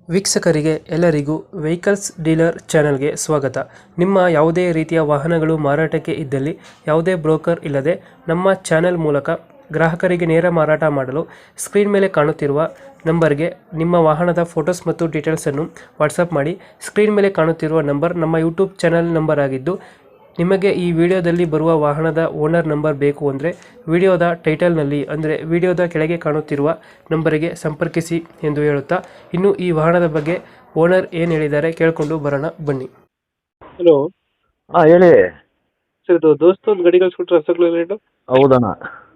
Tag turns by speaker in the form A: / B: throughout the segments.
A: ವೀಕ್ಷಕರಿಗೆ ಎಲ್ಲರಿಗೂ vehicles dealer ಚಾನೆಲ್ಗೆ ಸ್ವಾಗತ. ನಿಮ್ಮ ಯಾವುದೇ ರೀತಿಯ ವಾಹನಗಳು ಮಾರಾಟಕ್ಕೆ ಇದ್ದಲ್ಲಿ ಯಾವುದೇ ಬ್ರೋಕರ್ ಇಲ್ಲದೆ ನಮ್ಮ ಚಾನೆಲ್ ಮೂಲಕ ಗ್ರಾಹಕರಿಗೆ ನೇರ ಮಾರಾಟ ಮಾಡಲು ಸ್ಕ್ರೀನ್ ಮೇಲೆ ಕಾಣುತ್ತಿರುವ ನಂಬರ್ಗೆ ನಿಮ್ಮ ವಾಹನದ ಫೋಟೋಸ್ ಮತ್ತು ಡೀಟೇಲ್ಸನ್ನು ವಾಟ್ಸಪ್ ಮಾಡಿ. ಸ್ಕ್ರೀನ್ ಮೇಲೆ ಕಾಣುತ್ತಿರುವ ನಂಬರ್ ನಮ್ಮ ಯೂಟ್ಯೂಬ್ ಚಾನೆಲ್ ನಂಬರ್ ಆಗಿದ್ದು, ನಿಮಗೆ ಈ ವಿಡಿಯೋದಲ್ಲಿ ಬರುವ ವಾಹನದ ಓನರ್ ನಂಬರ್ ಬೇಕು ಅಂದರೆ ವಿಡಿಯೋದ ಟೈಟಲ್ನಲ್ಲಿ ಅಂದರೆ ವಿಡಿಯೋದ ಕೆಳಗೆ ಕಾಣುತ್ತಿರುವ ನಂಬರಿಗೆ ಸಂಪರ್ಕಿಸಿ ಎಂದು ಹೇಳುತ್ತಾ, ಇನ್ನು ಈ ವಾಹನದ ಬಗ್ಗೆ ಓನರ್ ಏನು ಹೇಳಿದ್ದಾರೆ ಕೇಳಿಕೊಂಡು ಬರೋಣ ಬನ್ನಿ. ಹಲೋ
B: ಹಾಂ ಹೇಳಿ.
A: ಸರ್, ಇದು ದೋಸ್ತ ಒಂದು ಗಾಡಿ ಕಳಿಸ್ಕೊಟ್ರೆ ರಸಗುಲ್ಲ
B: ಹೌದಣ್ಣ.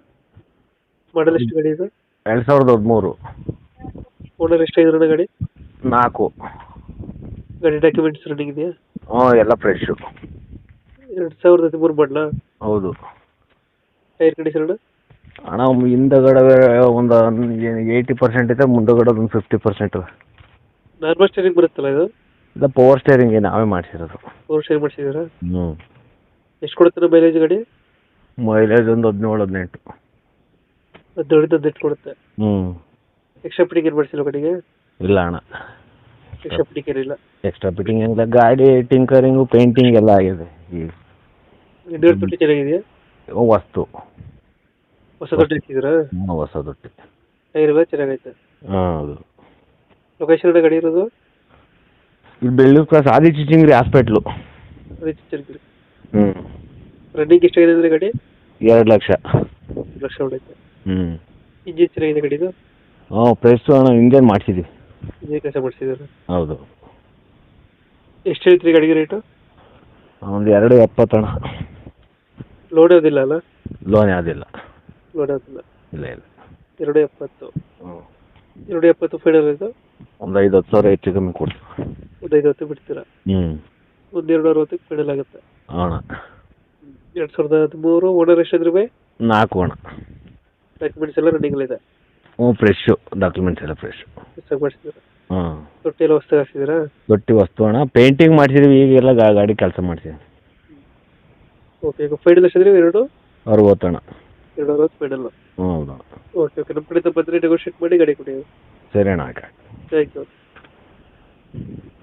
A: ಮಾಡಲ್ ಎಷ್ಟು ಗಾಡಿ ಇದೆ?
B: 2013.
A: ಓನರ್ ಎಷ್ಟಾಗಿದ್ರಣ್ಣ ಗಾಡಿ?
B: 4.
A: ಗಾಡಿ ಡಾಕ್ಯುಮೆಂಟ್ಸ್ ರನ್ನಿಂಗ್ ಇದೆಯಾ?
B: ಹ್ಞೂ, ಎಲ್ಲ ಫ್ರೆಶ್ಶು.
A: 2013 ಮಾಡಲ?
B: ಹೌದು.
A: ಟೈರ್ ಕಂಡೀಷನ್ ಅಣ್ಣ?
B: ಅಣ್ಣ ಹಿಂದಗಡೆ ಒಂದು 80% ಇದೆ, ಮುಂದಗಡೆ ಒಂದು 50%.
A: ನಾರ್ಮಲ್ ಸ್ಟೇರಿಂಗ್ ಬರುತ್ತಲ್ಲ ಇದು?
B: ಇಲ್ಲ, ಪವರ್ ಸ್ಟೇರಿಂಗ್ ನಾವೇ ಮಾಡಿಸಿರೋದು.
A: Power steering ಮಾಡಿಸಿದ್ದೀರಾ?
B: ಹ್ಞೂ.
A: ಎಷ್ಟು ಕೊಡುತ್ತೆ ಮೈಲೇಜ್ ಗಾಡಿ?
B: ಮೈಲೇಜ್ ಒಂದು 17-18.
A: 17-18 ಕೊಡುತ್ತೆ.
B: ಹ್ಞೂ.
A: ಎಕ್ಸ್ಟ್ರಾ ಫಿಟ್ಟಿಂಗ್ ಏನು ಮಾಡಿಸಿಲ್ಲ ಗಾಡಿಗೆ?
B: ಇಲ್ಲ ಅಣ್ಣ,
A: ಎಕ್ಸ್ಟ್ರಾ ಫಿಟ್ಟಿಂಗ್ ಏನಿಲ್ಲ.
B: ಎಕ್ಸ್ಟ್ರಾ ಫಿಟ್ಟಿಂಗ್ ಏನಿಲ್ಲ. ಗಾಡಿ ಟಿಂಕರಿಂಗು ಪೇಂಟಿಂಗ್ ಎಲ್ಲ ಆಗಿದೆ. ಈಗ
A: ಇಂಡಿಯನ್ ತೊಟ್ಟಿ ಚೆನ್ನಾಗಿದೆಯಾ?
B: ವಸ್ತು
A: ಹೊಸ ತೊಟ್ಟಿ ಹಾಕಿದ್ದೀರಾ?
B: ಹ್ಞೂ, ಹೊಸ ತೊಟ್ಟಿ.
A: ಟೈರ್ ಎಲ್ಲ ಚೆನ್ನಾಗೈತೆ.
B: ಹಾಂ, ಹೌದು.
A: ಲೊಕೇಶನ್ ಗಾಡಿ ಇರೋದು?
B: ಇಲ್ಲಿ ಬೆಳ್ಳೂರು ಕ್ರಾಸ್ ಆದಿಚುಂಚನಗಿರಿ ಹಾಸ್ಪಿಟ್ಲು.
A: ಅದೇ ಚಿತ್ರದುರ್ಗ.
B: ಹ್ಞೂ.
A: ರನ್ನಿಂಗ್ ಎಷ್ಟಾಗಿದೆ ಅಂದರೆ ಗಾಡಿ?
B: 2 ಲಕ್ಷ.
A: 2 ಲಕ್ಷ ಹೊಡೈತೆ.
B: ಹ್ಞೂ.
A: ಇಂಜಿನ್ ಚೆನ್ನಾಗಿದೆ ಗಾಡಿದು?
B: ಹ್ಞೂ, ಪ್ರೆಸ್ಸು ಅಣ್ಣ, ಇಂಜನ್ ಮಾಡಿಸಿದ್ವಿ.
A: ಇಂಜಿನ್ ಕೆಲಸ ಮಾಡಿಸಿದ್ದಾರೆ?
B: ಹೌದು.
A: ಎಷ್ಟು ಹೇಳ್ತೀರಿ ಗಾಡಿಗೆ ರೇಟು?
B: ಒಂದು 2.70 ಅಣ್ಣ.
A: ಲೋಡ್ ಯಾವುದಿಲ್ಲ ಅಲ್ಲ?
B: ಲೋನ್ ಯಾವುದಿಲ್ಲ.
A: ಲೋಡ್ ಯಾವುದಿಲ್ಲ?
B: ಇಲ್ಲ ಇಲ್ಲ.
A: 2.70.
B: ಹ್ಞೂ.
A: 2.70 ಫೈನಲ್ ಇದು?
B: ಒಂದು 5-10 ಸಾವಿರ ಹೆಚ್ಚು ಕಮ್ಮಿ ಕೊಡ್ತೀವಿ.
A: ಒಂದು 5-10 ಬಿಡ್ತೀರಾ?
B: ಹ್ಞೂ.
A: ಒಂದು 2.60 ಫೈನಲ್ ಆಗುತ್ತೆ.
B: ಅಣ್ಣ.
A: 2013. ಓನರ್ ಎಷ್ಟಾದ್ರೂ ಬೈ?
B: 4 ಅಣ್ಣ.
A: ಡಾಕ್ಯುಮೆಂಟ್ಸ್ ಎಲ್ಲ ರನ್ನಿಂಗಲ್ಲಿದೆ?
B: ಹ್ಞೂ, ಫ್ರೆಶ್ಶು. ಡಾಕ್ಯುಮೆಂಟ್ಸ್ ಎಲ್ಲ ಫ್ರೆಶ್.
A: ಹೊಸದಾಗಿ ಮಾಡಿಸಿದ್ದೀರಾ?
B: ಹಾಂ.
A: ತೊಟ್ಟಿ ಎಲ್ಲ ಹೊಸದಾಗಿ ಹಾಕ್ಸಿದ್ದೀರಾ?
B: ತೊಟ್ಟಿ ವಸ್ತು ಅಣ್ಣ, ಪೇಂಟಿಂಗ್ ಮಾಡಿಸಿದ್ವಿ. ಈಗೆಲ್ಲ ಗಾಡಿ ಕೆಲಸ ಮಾಡ್ತೀವಿ.
A: ಓಕೆ, ಈಗ ಫೈನಲ್ ಎಷ್ಟಾದ್ರಿ?
B: 60 ಅಣ್ಣ.
A: 2.60 ಫೈನಲ್?
B: ಹ್ಞೂ, ಹೌದು.
A: ಓಕೆ ಓಕೆ, ನಮ್ಮ ಕಡೆಯಿಂದ ಬಂದರೆ ನೆಗೋಷಿಯೇಟ್ ಮಾಡಿ ಗಾಡಿ ಕೊಡಿ.
B: ಸರಿ ಅಣ್ಣ.
A: Thank you.